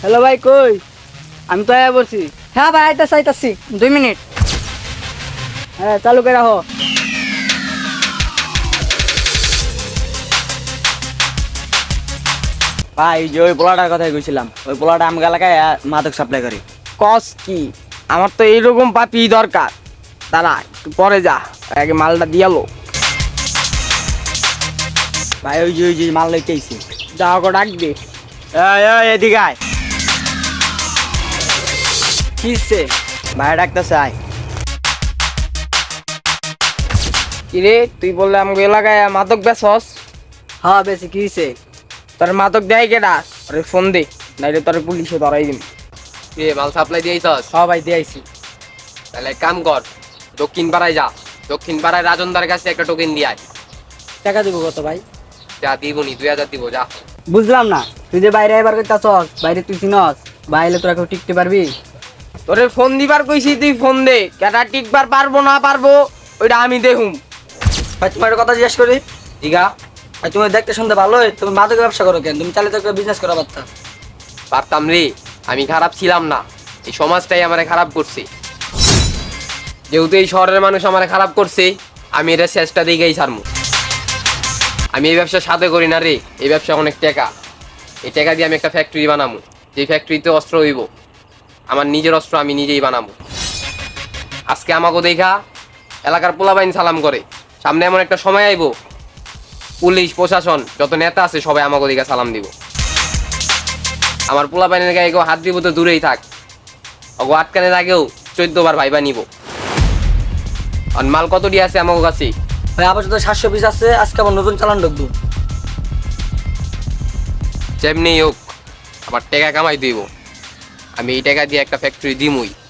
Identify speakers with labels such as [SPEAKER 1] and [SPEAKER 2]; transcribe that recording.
[SPEAKER 1] Hello ভাই কই? আমি তো আয়া বলছি।
[SPEAKER 2] হ্যাঁ ভাই, আইতাছি 2 মিনিট।
[SPEAKER 1] হ্যাঁ চালু করে রাখো।
[SPEAKER 3] ভাই যে ওই পোলাটার কথাই কইছিলাম, ওই পোলাটা আমার এলাকায় মাদক সাপ্লাই করে।
[SPEAKER 1] কস কি? আমার তো এইরকম পাপি দরকার। দাঁড়া একটু পরে যা, আগে মালটা দিয়ালো।
[SPEAKER 3] ভাই ওই যে মাল লইতে আইছি।
[SPEAKER 1] যা ওকে ডাক দে।
[SPEAKER 3] এদিকে আয়।
[SPEAKER 1] কিসে?
[SPEAKER 3] ভাই ডাকতেছে আয়।
[SPEAKER 1] কিরে তুই বললে আমাকে এলাকায় মাদক বেচস?
[SPEAKER 2] হ্যাঁ বেশি কি হইছে?
[SPEAKER 1] তোর মাদক দেয় কেডা? আরে ফোন দে, নাইলে তোর পুলিশে ধরাই দিন।
[SPEAKER 4] এ মাল সাপ্লাই দিয়েছস?
[SPEAKER 1] হ্যাঁ ভাই দিয়েছি।
[SPEAKER 4] তাহলে এক কাম কর, দক্ষিণ পাড়ায় যা। দক্ষিণ পাড়ায় রাজনদার কাছে একটা টোকেন দিয়ে আয়।
[SPEAKER 2] টাকা দিব কত ভাই?
[SPEAKER 4] যা দিবনি, 2000 দিব যা।
[SPEAKER 2] বুঝলাম না, তুই যে বাইরে এবার কইতাছস, বাইরে তুই চিনস, বাইরে তোরা কেউ টিকতে পারবি?
[SPEAKER 1] তোরে ফোন দিবার কইছি, তুই ফোন দে। কেডা টিকবার পারবো না পারবো ওইটা আমি দেখুম।
[SPEAKER 2] ভাই তোমার একটা কথা জিজ্ঞেস করি।
[SPEAKER 1] দিঘা
[SPEAKER 2] ভাই তুমি দেখতে শুনতে ভালোই, তুমি মাদকের ব্যবসা করো কেন? তুমি চাইলে তো একটা বিজনেস করা পারতা।
[SPEAKER 4] পারতাম রে, আমি খারাপ ছিলাম না, এই সমাজটাই আমারে খারাপ করছে। যেহেতু এই শহরের মানুষ আমারে খারাপ করছে, আমি এটা শেষটা দিকেই ছাড়মু। আমি এই ব্যবসা সাথে করি না রে, এই ব্যবসা অনেক টাকা। এই টাকা দিয়ে আমি একটা ফ্যাক্টরি বানাবো, যে ফ্যাক্টরিতে অস্ত্র হইব, আমার নিজের অস্ত্র আমি নিজেই বানাবো। আজকে আমাকে দেখা এলাকার পোলাবাইন সালাম করে, সামনে এমন একটা সময় আইব, পুলিশ প্রশাসন যত নেতা আছে সবাই আমাকে দেখা সালাম দিব। আমার পোলাবাইনের গায়ে কেউ হাত দিব তো দূরেই থাক, ওগো আটকানের আগেও 14 বার ভাইবা নিব। আর মাল কত দিয়ে আছে আমার কাছে?
[SPEAKER 2] ভাই আপাতত 700 পিস আছে, আজকে আমার নতুন চালান ঢুকবো।
[SPEAKER 4] যেমনি হোক আবার টাকা কামাই দিব, আমি এই টাকা দিয়ে একটা ফ্যাক্টরি দিমই।